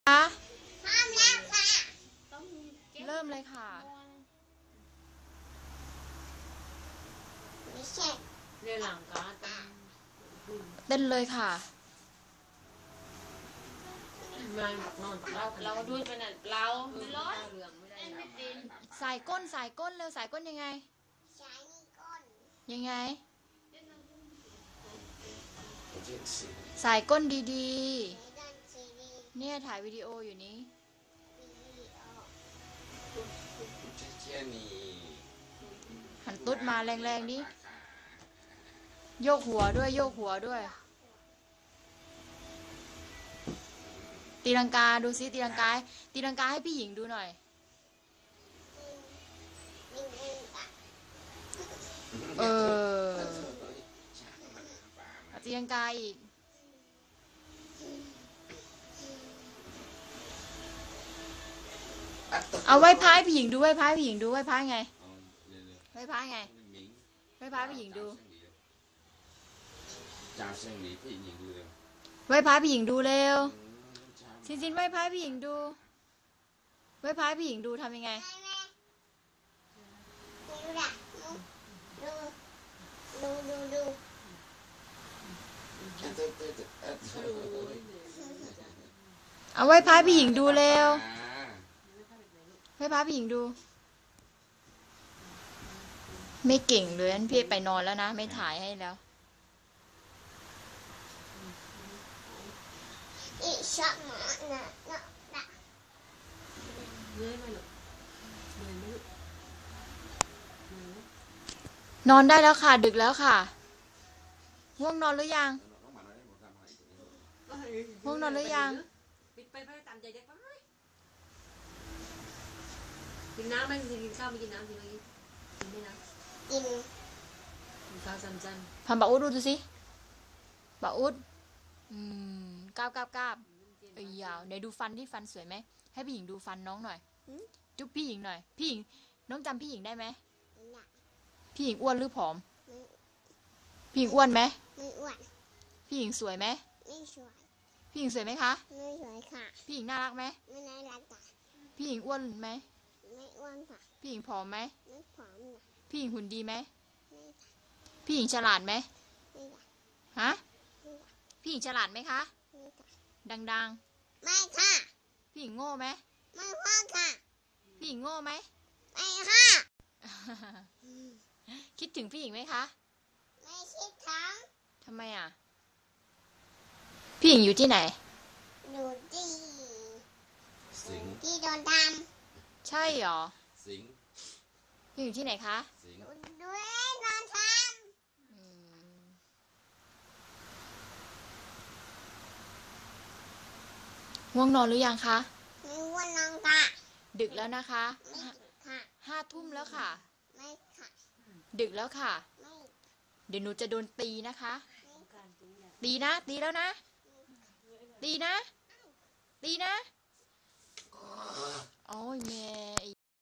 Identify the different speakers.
Speaker 1: พร้อม
Speaker 2: คะ
Speaker 1: แล้วค่ะ
Speaker 2: เริ่มเลยค่ะ
Speaker 1: ไม่ใช่
Speaker 3: เรื่องหลังก็
Speaker 2: เต้นเลยค่ะ
Speaker 3: มันนอนเราด้วยไปน่ะเราไม่ร้อนเหลืองไม่ได้ไม่ติน
Speaker 2: สายก้นสายก้นเร็วสายก้นยังไง
Speaker 1: ใช้นี่ก้น
Speaker 2: ยังไงสายก้นดี
Speaker 1: ใช้ด้านซีดี
Speaker 2: ๆเนี่ยถ่ายวิดีโออยู่นี้หันตุ๊ดมาแรงๆดิโยกหัวด้วยโยกหัวด้วยตีลังกาดูซิตีลังกาตีลังกาให้พี่หญิงดูหน่อยเออตีลังกาอีกเอาไหว้พายพี่หญิงดูไหว้พายพี่หญิงดูไหว้พายไงไหว้พายไงไหว้พายพี่หญิงดูไหว้พายพี่หญิงดูเร็วซินไหว้พายพี่หญิงดูไหว้พายพี่หญิงดูทำยังไง
Speaker 1: ดู
Speaker 2: เอาไหว้พายพี่หญิงดูเร็วไหว้พายพี่หญิงดูไม่เก่งเลยงั้นพี่ไปนอนแล้วนะไม่ถ่ายให้แล้ว
Speaker 1: อีชอบหมาน่ะ
Speaker 3: เลื่อยมาหรอกเลื่อยไม่หรอก
Speaker 2: นอนได้แล้วค่ะดึกแล้วค่ะง่วงนอนหรือยังง่วงนอนหรือยัง
Speaker 3: ปิดไปตามใจเด็กไปกินน้ำไหมกินข้าวไม่กินน้ำกินอะไรกินไม่น้ำ
Speaker 1: กิน
Speaker 3: ข้าวสั้น
Speaker 2: ทำบาอุดดูสิบาอุดกราบเอ้ยยาวไหนดูฟันที่ฟันสวยไหมให้พี่หญิงดูฟันน้องหน่อยจุ๊บพี่หญิงหน่อยพี่หญิงน้องจำพี่หญิงได้ไหมพี่หญิงอ้วนหรือผอมพี่หญิงอ้วนไหม
Speaker 1: ไม่อ้วน
Speaker 2: พี่หญิงสวยไหม
Speaker 1: ไม่สวย
Speaker 2: พี่หญิงสวยไหมคะ
Speaker 1: ไม่สวยค่ะ
Speaker 2: พี่หญิงน่ารักไหม
Speaker 1: ไม่น่ารักค่ะ
Speaker 2: พี่หญิงอ้วนไหม
Speaker 1: ไม่อ้วนค่ะ
Speaker 2: พี่หญิงผอมไหม
Speaker 1: ไม่ผอมนะ
Speaker 2: พี่หญิงหุ่นดีไหม
Speaker 1: ไม่ค่ะ
Speaker 2: พี่หญิงฉลาดไหม
Speaker 1: ไม่ค่ะ
Speaker 2: ฮะ
Speaker 1: ไม่ค่ะ
Speaker 2: พี่หญิงฉลาดไหมคะ
Speaker 1: ไม่ค่ะ
Speaker 2: ดัง
Speaker 1: ไม่ค่ะ
Speaker 2: ๆพี่หญิงโง่ไหม
Speaker 1: ไม่ว่าค่ะ
Speaker 2: พี่หญิงโง่ไหม
Speaker 1: ไม่ค่ะ
Speaker 2: คิดถึงพี่หญิงไหมคะ
Speaker 1: ไม่คิดทั้ง
Speaker 2: ทำไมอ่ะพี่หญิงอยู่ที่ไหน
Speaker 1: อยู่ที่
Speaker 4: สิง
Speaker 1: ที่โดนท
Speaker 2: ใช่หรอ
Speaker 4: สิง
Speaker 2: พี่หญิงอยู่ที่ไหนคะ
Speaker 4: สิง
Speaker 1: ำด้วยโดนท
Speaker 2: ง่วงนอนหรือยังคะ
Speaker 1: ำไม่ว่าน้องค่ะ
Speaker 2: ดึกแล้วนะคะ
Speaker 1: ไม่ค่ะ
Speaker 2: 5 ทุ่มแล้วค่ะ
Speaker 1: ไม่ค่ะ
Speaker 2: ดึกแล้วค่ะ
Speaker 1: ไม่
Speaker 2: เดี๋ยวหนูจะโดนตีนะคะ
Speaker 1: ไม่ค่ะ
Speaker 2: ตีนะตีแล้วนะตีนะตีนะโอ้ยแม่